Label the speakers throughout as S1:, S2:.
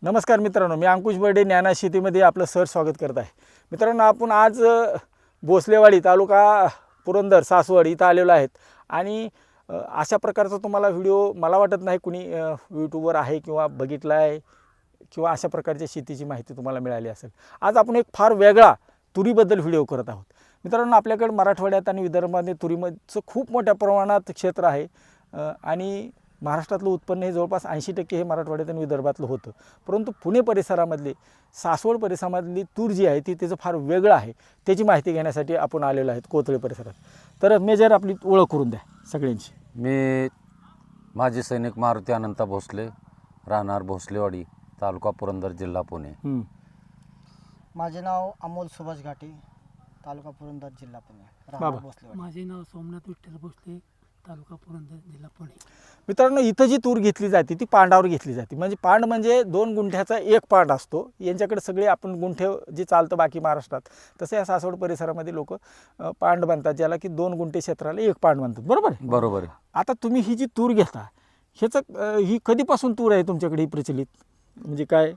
S1: नमस्कार मित्रांनो, मी अंकुश बर्डे ज्ञाना शेतीमध्ये आपलं स्वागत करत आहे. मित्रांनो, आपण आज भोसलेवाडी तालुका पुरंदर सासवड इथं आलेलो आहेत आणि अशा प्रकारचा तुम्हाला व्हिडिओ मला वाटत नाही कुणी यूट्यूबवर आहे किंवा बघितला आहे किंवा अशा प्रकारच्या शेतीची माहिती तुम्हाला मिळाली असेल. आज आपण एक फार वेगळा तुरीबद्दल व्हिडिओ करत आहोत. मित्रांनो, आपल्याकडे मराठवाड्यात आणि विदर्भामध्ये तुरीचं खूप मोठ्या प्रमाणात क्षेत्र आहे आणि महाराष्ट्रातलं उत्पन्न हे जवळपास 80% हे मराठवाड्यात आणि विदर्भातलं होतं. परंतु पुणे परिसरामधली सासवड परिसरामधली तूर जी आहे ती त्याचं फार वेगळं आहे. त्याची माहिती घेण्यासाठी आपण आलेलो आहेत कोथळे परिसरात. तर मेजर आपली ओळख करून द्या सगळ्यांची.
S2: मी माजी सैनिक मारुती अनंता भोसले, राहणार भोसलेवाडी, तालुका पुरंदर, जिल्हा पुणे.
S3: माझे नाव अमोल सुभाष घाटे, तालुका पुरंदर, जिल्हा पुणे, राहणार भोसलेवाडी.
S4: माझे नाव सोमनाथ विठ्ठल भोसले, तालुका पुरंदर, जिल्हा पुणे.
S1: मित्रांनो, इथं जी तूर घेतली जाते ती पांडावर घेतली जाते. म्हणजे पांड म्हणजे 2 गुंठ्याचा एक पांड असतो. यांच्याकडे सगळे आपण गुंठे जे चालतं बाकी महाराष्ट्रात, तसं या सासवड परिसरामध्ये लोक पांड बांधतात, ज्याला की 2 गुंठे क्षेत्राला एक पांड बांधतात. बरोबर आहे?
S2: बरोबर आहे.
S1: आता तुम्ही ही जी तूर घेता ह्याचं ही कधीपासून तूर आहे तुमच्याकडे ही प्रचलित, म्हणजे काय?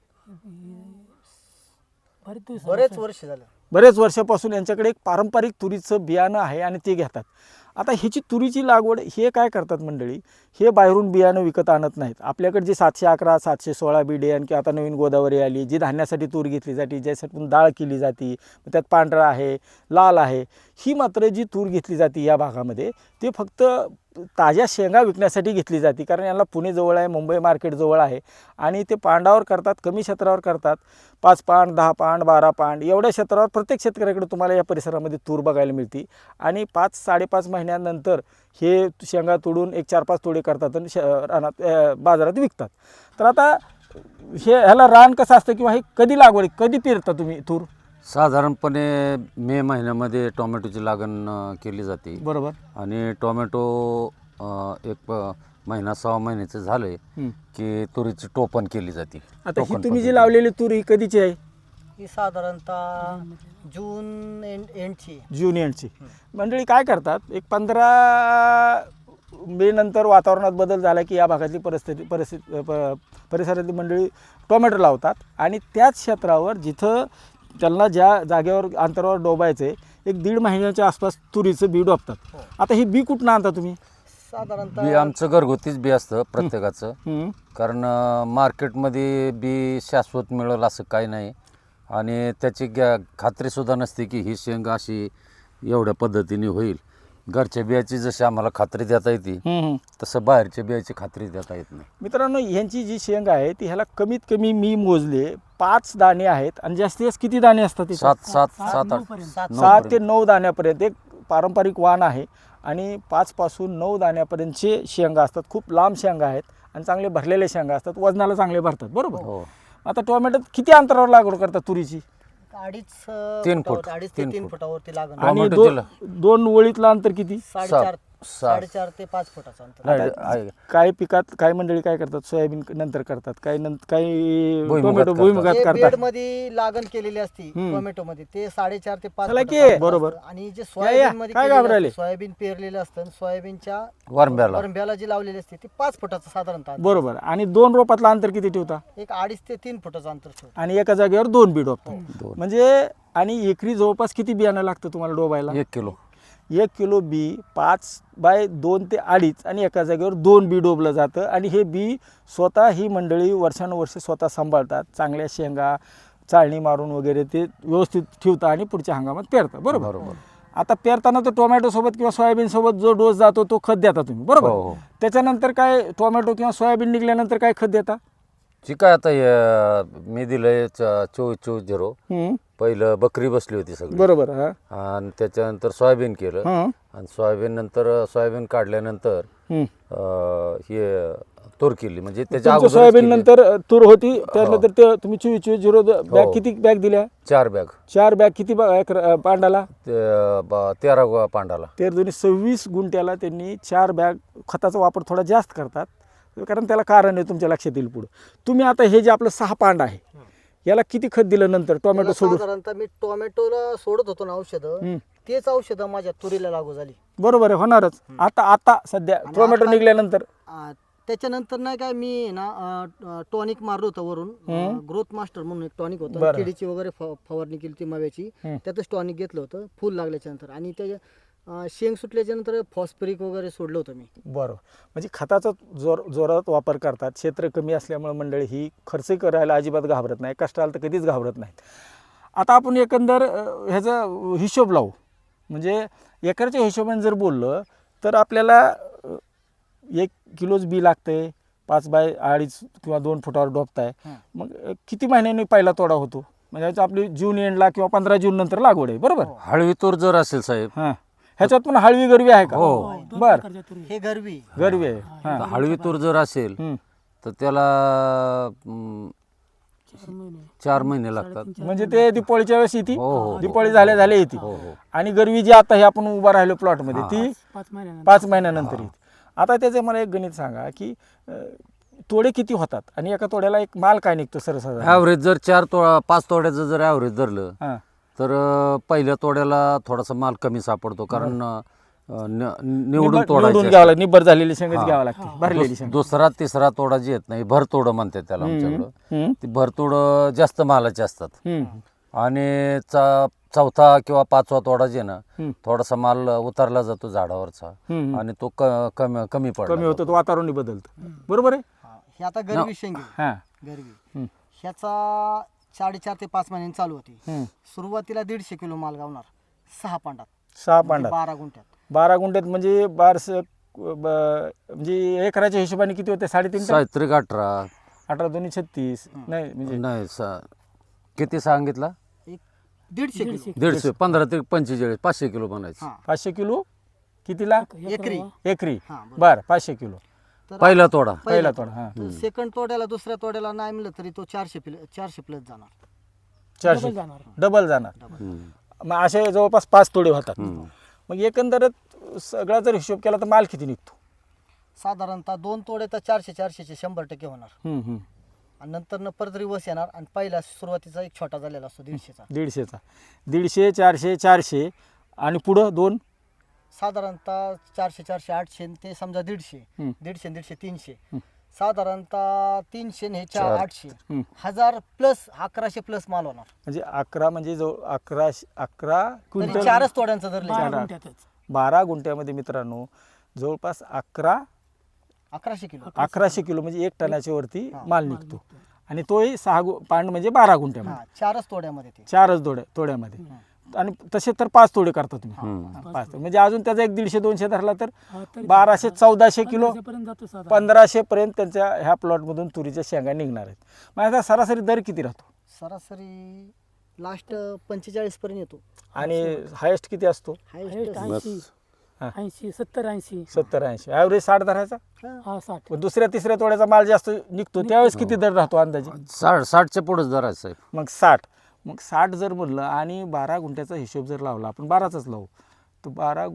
S3: बरेच वर्ष झालं.
S1: बरेच वर्षापासून यांच्याकडे एक पारंपरिक तुरीचं बियाणं आहे आणि ते घेतात. आता ह्याची तुरीची लागवड हे काय करतात मंडळी, हे बाहेरून बियाणं विकत आणत नाहीत. आपल्याकडे जे 711, 716 बियाणं किंवा आता नवीन गोदावरी आली, जी धान्यासाठी तूर घेतली जाते, ज्यासाठी डाळ केली जाते, त्यात पांढरा आहे, लाल आहे. ही मात्र जी तूर घेतली जाते या भागामध्ये ते फक्त ताज्या शेंगा विकण्यासाठी घेतली जाते. कारण याला पुणे जवळ आहे, मुंबई मार्केट जवळ आहे आणि ते पांडावर करतात, कमी क्षेत्रावर करतात. 5 पांड, 10 पांड, 12 पांड एवढ्या क्षेत्रावर प्रत्येक शेतकऱ्याकडे तुम्हाला या परिसरामध्ये तूर बघायला मिळते. आणि 5-5.5 महिन्यानंतर हे शेंगा तोडून एक 4-5 तोडे करतात आणि रानात बाजारात विकतात. तर आता ह्याला रान कसं असतं किंवा हे कधी लागवड कधी पेरता तुम्ही तूर?
S2: साधारणपणे मे महिन्यामध्ये टोमॅटोची लागण केली जाते.
S1: बरोबर.
S2: आणि टोमॅटो एक महिना 6 महिन्याचे झाले की तुरीची टोपण केली जाते.
S1: आता ही तुम्ही जी लावलेली तूर ही कधीची आहे?
S3: ही साधारणतः जून एंडची.
S1: जून एंडची. मंडळी काय करतात, एक 15 मे नंतर वातावरणात बदल झाला की या भागातली परिसरातली मंडळी टोमॅटो लावतात आणि त्याच क्षेत्रावर जिथं त्यांना ज्या जागेवर अंतरावर डोबायचं आहे 1-1.5 महिन्याच्या आसपास तुरीचं बी डोबतात. आता ही बी कुठनं आणता तुम्ही?
S3: साधारणतः
S2: बी आमचं घरगुतीच बी असतं प्रत्येकाचं. कारण मार्केटमध्ये बी शाश्वत मिळेल असं काही नाही आणि त्याची खात्रीसुद्धा नसते की ही शेंगा अशी एवढ्या पद्धतीने होईल. घरच्या बियाची जशी आम्हाला खात्री देता येते तसं बाहेरच्या बियाची खात्री देता येत नाही.
S1: मित्रांनो, ह्यांची जी शेंगा आहे ती ह्याला कमीत कमी मी मोजले 5 दाणे आहेत आणि जास्तीत जास्त किती दाणे असतात? 7 ते 9 दाण्यापर्यंत एक पारंपरिक वाण आहे आणि 5 पासून 9 दाण्यापर्यंतचे शेंगा असतात. खूप लांब शेंगा आहेत आणि चांगले भरलेले शेंगा असतात, वजनाला चांगले भरतात. बरोबर.
S2: हो.
S1: आता टोमॅटो किती अंतरावर लागवड करतात तुरीची?
S3: 2.5
S2: फूट.
S3: 2.5 ते 3 फुटावरती लागण.
S1: आणि
S2: टोमॅटोची
S1: 2 ओळीतलं अंतर किती?
S3: 4.5 ते 5 फुटाचं अंतर.
S1: काही पिकात काही मंडळी काय करतात, सोयाबीन नंतर करतात, काही टोमॅटो भुईमुगात
S3: जे
S1: करतात.
S3: बेड मध्ये लागण केलेली असती टोमॅटो मध्ये ते 4.5 ते 5
S1: चला की,
S3: फुटाचं
S1: बरोबर.
S3: असतं. आणि जे सोयाबीन मध्ये
S1: काय
S3: केलेलं
S1: घाबरायले?
S3: असतं, सोयाबीन पेरलेलं असतं, सोयाबीनच्या
S2: वरंब्याला
S3: जी लावलेली असते ती 5 फुटाचं साधारणतः अंतर.
S1: बरोबर. आणि 2 रोपातलं अंतर किती ठेवता?
S3: एक 2.5 ते 3 फुटाचं अंतर ठेवतो.
S1: आणि एका जागेवर 2 बी डोबतात. म्हणजे आणि एकरी जवळपास किती बियाणं लागतं तुम्हाला डोबायला?
S2: 1 किलो.
S1: 1 किलो बी 5/2 ते 2.5 आणि एका जागेवर 2 बी डोबलं जातं. आणि हे बी स्वतः ही मंडळी वर्षानुवर्षे स्वतः सांभाळतात. चांगल्या शेंगा चाळणी मारून वगैरे ते व्यवस्थित ठेवतात आणि पुढच्या हंगामात पेरतात. बरोबर. आता पेरताना तो टोमॅटो सोबत किंवा सोयाबीन सोबत जो डोस जातो तो खत देता तुम्ही. बरोबर.
S2: हो.
S1: त्याच्यानंतर काय टोमॅटो किंवा सोयाबीन निघाल्यानंतर काय खत देता?
S2: ठीक आहे. आता मी दिलंय 24-24-0. पहिलं बकरी बसली होती सगळी.
S1: बरोबर.
S2: आणि त्याच्यानंतर सोयाबीन केलं आणि सोयाबीन काढल्यानंतर हे तूर केली. म्हणजे त्याच्या अगोदर
S1: सोयाबीन नंतर तूर होती त्यानंतर ते तुम्ही 24-24-0 बॅग किती बॅग दिल्या?
S2: 4 बॅग.
S1: 4 बॅग किती पांडाला?
S2: 13 पांडाला.
S1: 26 गुंठ्याला त्यांनी 4 बॅग खताचा वापर थोडा जास्त करतात. कारण त्याला कारण आहे, तुमच्या लक्षात येईल पुढे. तुम्ही आता हे जे आपलं 6 पांड आहे याला किती खत दिलं नंतर टोमॅटो सोडून?
S3: साधारणतः मी टोमॅटोला सोडत होतो ना औषधं, तेच औषधं माझ्या तुरीला लागू झाली.
S1: बरोबर आहे, होणारच. आता सध्या टोमॅटो निघाल्यानंतर
S3: त्याच्यानंतर नाही काय मी ना टॉनिक मारलं होतं वरून, ग्रोथ मास्टर म्हणून एक टॉनिक होतं,
S1: बरं.
S3: किडीची वगैरे फवारणी केली ती माव्याची, त्यातच टॉनिक घेतलं होतं फुल लागल्याच्या नंतर. आणि त्याच्या शेंग सुटल्याच्या नंतर फॉस्फरिक वगैरे सोडलं होतं मी.
S1: बरोबर. म्हणजे खताचा जोरात वापर करतात. क्षेत्र कमी असल्यामुळे मंडळी ही खर्च करायला अजिबात घाबरत नाही, कष्टाला तर कधीच घाबरत नाहीत. आता आपण एकंदर ह्याचा हिशोब लावू. म्हणजे एकरच्या हिशोबाने जर बोललं तर आपल्याला 1 किलोच बी लागतंय, 5 बाय 2.5 किंवा 2 फुटावर डोबताय. मग किती महिन्यांनी पहिला तोडा होतो? म्हणजे आपली जून एंडला किंवा 15 जून नंतर लागवड आहे, बरोबर?
S2: हळवी तूर जर असेल साहेब,
S1: हां, ह्याच्यात पण हळवी गरवी आहे का?
S2: हो.
S4: दोन
S1: बर,
S4: प्रकारच्या तुरी.
S3: हे गरवी
S1: गरवी आहे. हां.
S2: तर हळवी तूर जर असेल तर त्याला
S4: 4 महिने
S2: 4 महिने लागतात.
S1: म्हणजे ते दिपाळीच्या वेळेस येते,
S2: हो, हो.
S1: दिपाळी झाल्या येते.
S2: हो, हो.
S1: आणि गरवी जी आता हे आपण उभा राहिलो प्लॉटमध्ये ती
S4: 5 महिन्यानंतर
S1: 5 महिन्यानंतर येते. आता त्याचं मला एक गणित सांगा की तोडे किती होतात आणि एका तोड्याला एक माल काय निघतो सर्वसाधारण?
S2: ॲव्हरेज जर 5 तोड्याचं जर ॲव्हरेज धरलं
S1: हां,
S2: तर पहिल्या तोड्याला थोडासा माल कमी सापडतो, कारण निवडून तोडायचे
S1: घ्यावं लागतं, निब्बर झालेली शेंगच घ्यावं लागते, भरलेली शेंग.
S2: दुसरा तिसरा तोडा जी येत नाही, भरतोड म्हणतात त्याला आमच्याकडं.
S1: हम्म,
S2: ती भरतोड जास्त मालाचे असतात.
S1: हम्म,
S2: आणि चौथा किंवा 5वा तोडा जे ना,
S1: हम्म.
S2: थोडासा माल उतरला जातो झाडावरचा
S1: हम्म.
S2: आणि तो कमी पडतो.
S1: कमी होतं, तो वातावरण बदलतं, बरोबर आहे?
S3: हे आता गरवी शेंग आहे.
S1: हां,
S3: गरवी
S1: हम्म,
S3: ह्याचा 4.5 ते 5 महिन्यांनी चालू होती.
S1: हम्म.
S3: सुरुवातीला 150 किलो माल गावणार 6 पांडात,
S1: 6
S3: म्हणजे
S1: पांडात
S3: 12 गुंठ्यात.
S1: 12 गुंठ्यात म्हणजे म्हणजे एकराच्या हिशोबाने किती होते? 3.5 टन?
S2: साहित्रिक 18
S1: 18 2 36 नाही म्हणजे
S2: नाही किती सांगितला?
S3: एक 150 किलो
S2: 150 15 ते 45 500 किलो बनायचं.
S3: हां
S1: 500 किलो कितीला?
S3: एकरी.
S1: एकरी.
S3: हां बरोबर.
S1: बर, 500 किलो
S3: तर
S2: पहिला तोडा.
S1: पहिला तोडा. हां,
S3: तर सेकंड तोड्याला दुसऱ्या तोड्याला नाही मिळलं तरी तो 400 प्लस जाणार.
S1: 400
S4: जाणार.
S1: डबल जाणार.
S2: हम्म.
S1: मग असे जवळपास 5 तोडे होतात.
S2: हम्म.
S1: मग एकंदरीत सगळा जर हिशोब केला तर माल किती निघतो?
S3: साधारणतः 2 तोडे तर 400चे 100% होणार.
S1: हम्म, हम्म.
S3: आणि नंतर परत रिवर्स येणार आणि पहिला सुरुवातीचा एक छोटा झालेला असतो 150चा.
S1: 150चा 150 400 400 आणि पुढं 2
S3: साधारणतः 400 400 800 ते समजा 150
S1: हम्म.
S3: 150 150 300 साधारणतः 300 हे 800
S1: हम्म.
S3: 1000 प्लस 1100 प्लस माल होणार.
S1: म्हणजे 11 म्हणजे जवळ 11
S3: तरी
S1: क्विंटल
S3: 4च तोड्यांचं धरले
S4: 12
S1: चार.
S4: गुंठ्यातच
S1: 12 गुंठ्यामध्ये मित्रांनो जवळपास
S3: 1100 किलो.
S1: 1100 किलो म्हणजे 1 टनाच्या वरती
S3: हां,
S1: माल निघतो. आणि तोही 6 पांड म्हणजे 12 गुंठ्यामध्ये,
S3: हा 4च तोड्यामध्ये ते.
S1: 4च तोड्यामध्ये. आणि तसे तर 5 तोडे करता तुम्ही.
S2: हम्म.
S1: 5 म्हणजे अजून त्याचा 150 200 धरला तर
S4: हा, तरी
S1: 1200 1400 किलो
S4: 1500 पर्यंत जातो साधारण.
S1: 1500 पर्यंत त्यांच्या ह्या प्लॉटमधून तुरीच्या शेंगा निघणार आहेत. मग आता सरासरी दर किती राहतो
S3: सरासरी लास्ट 45 पर्यंत येतो.
S1: आणि हायेस्ट किती असतो?
S3: हायेस्ट
S4: 80
S1: हा.
S4: 80 70 80
S1: 70 80. ॲव्हरेज 60 धरायचा.
S4: हा 60.
S1: मग दुसऱ्या तिसऱ्या तोड्याचा माल जास्त निघतो त्यावेळेस किती दर राहतो अंदाजे?
S2: 60च्या पुढेच धरायचं साहेब.
S1: मग 60. मग 60 जर म्हणलं आणि 12 गुंठ्याचा हिशोब जर लावला, आपण 12चाच लावू, तर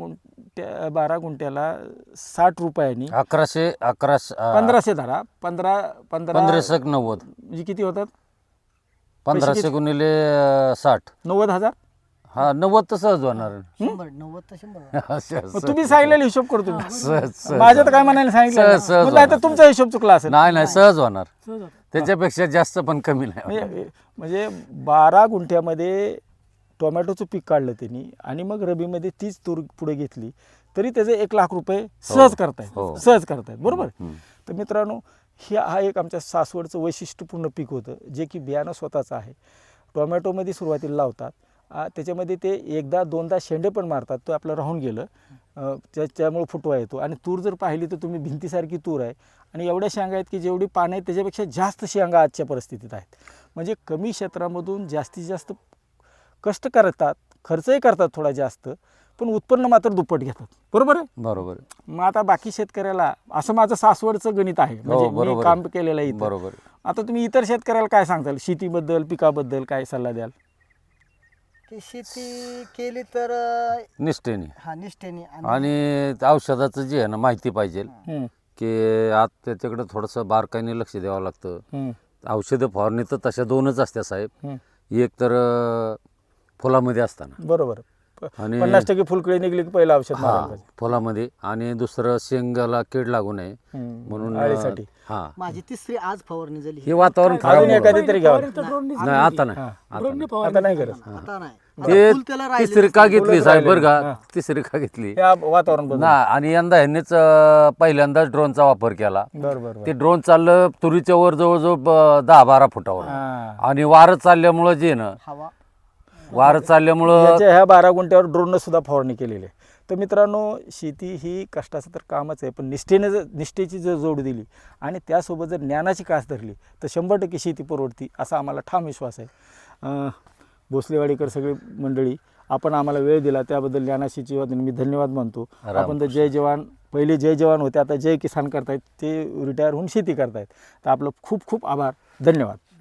S1: 12 गुंठ्याला 60 रुपयांनी
S2: 1100
S1: 1500 धरा. 15
S2: 1590
S1: म्हणजे किती होतात?
S2: 1500 गुणिले 60.
S1: 90,000.
S2: हा 90 तर सहज होणार.
S3: 100 90 तर 100.
S1: मग तुम्ही सांगितलेला हिशोब करतो मी.
S2: सहज
S1: माझ्या तर काय म्हणायला सांगितलं
S2: सहज
S1: नाही.
S2: होणार.
S1: तर तुमचा हिशोब चुकला असेल.
S2: नाही सहज होणार.
S4: सहज होतं.
S2: त्याच्यापेक्षा जास्त पण कमी नाही होणार.
S1: म्हणजे 12 गुंठ्यामध्ये टोमॅटोचं पीक काढलं त्यांनी आणि मग रबीमध्ये तीच तूर पुढे घेतली तरी त्याचे 1 लाख रुपये सहज करतायत.
S2: हो.
S1: सहज करतायत, बरोबर.
S2: हम्म.
S1: तर मित्रांनो हा एक आमच्या सासवडचं वैशिष्ट्यपूर्ण पीक होतं जे की बियाणं स्वतःचं आहे. टोमॅटोमध्ये सुरुवातीला लावतात, त्याच्यामध्ये ते 1दा 2दा शेंडे पण मारतात, तो आपलं राहून गेलं, त्यामुळे फुटवा येतो. आणि तूर जर पाहिली तर तुम्ही भिंतीसारखी तूर आहे आणि एवढ्या शेंगा आहेत की जेवढी पानं आहेत त्याच्यापेक्षा जास्त शेंगा आजच्या परिस्थितीत आहेत. म्हणजे कमी क्षेत्रामधून जास्तीत जास्त कष्ट करतात, खर्चही करतात थोडा जास्त, पण उत्पन्न मात्र दुप्पट घेतात, बरोबर आहे.
S2: बरोबर
S1: मग आता बाकी शेतकऱ्याला असं माझं सासवडचं गणित आहे, म्हणजे मी
S2: बरोबर
S1: काम केलेलं आहे इथं.
S2: बरोबर.
S1: आता तुम्ही इतर शेतकऱ्याला काय सांगताल? शेतीबद्दल, पिकाबद्दल काय सल्ला द्याल?
S3: की शेती केली तर
S2: निष्ठेने
S3: हा निष्ठेने
S2: आणि औषधाचं जे आहे ना माहिती पाहिजे
S1: हम्म,
S2: की आज त्याच्याकडे थोडंसं बारकाईने लक्ष द्यावं लागतं.
S1: हम्म,
S2: औषधं फवारणी तर तशा 2च असत्या साहेब.
S1: हम्म.
S2: एक तर फुलामध्ये असताना
S1: बरोबर.
S2: आणि
S1: 50% फुलकळी निघली की पहिलं औषध
S2: हा
S1: मारायला पाहिजे.
S2: फुलामध्ये आणि दुसरं शेंगाला कीड लागू नये म्हणून
S1: अळीसाठी.
S2: हा
S3: माझी तिसरी आज फवारणी झाली
S2: हे वातावरण खराब
S1: अजून
S2: होतं.
S1: एखादी तरी घ्यावं.
S2: नाही आता नाही आता नाही.
S1: आता नाही गरज.
S3: आता नाही
S2: ते
S3: आता फुल त्याला राहिलेलं
S2: तिसरी का घेतली
S1: फुलंच
S2: साहेब बरं
S1: राहिलेली.
S2: का तिसरी का घेतली
S1: हे वातावरण बदल.
S2: ना आणि यंदा ह्यांनीच पहिल्यांदाच ड्रोनचा वापर केला.
S1: बरोबर.
S2: ते ड्रोन चाललं तुरीच्या वर जवळजवळ 10-12 फुटावर आणि वारं चालल्यामुळं जे ना
S3: हवा
S2: वारं चालल्यामुळं
S1: याच्या ह्या 12 गुंठ्यावर ड्रोननं सुद्धा फवारणी केलेली आहे. तर मित्रांनो, शेती ही कष्टाचं तर कामच आहे, पण निष्ठेची जर जोड दिली आणि त्यासोबत जर ज्ञानाची कास धरली तर 100% शेती परवडती असा आम्हाला ठाम विश्वास आहे. भोसलेवाडीकर सगळी मंडळी, आपण आम्हाला वेळ दिला त्याबद्दल ज्ञानाशीच्या वतीने मी धन्यवाद मानतो. आपण तर जय जवान, पहिले जय जवान होते, आता जय किसान करतायत, ते रिटायर होऊन शेती करतायत. तर आपलं खूप खूप आभार, धन्यवाद.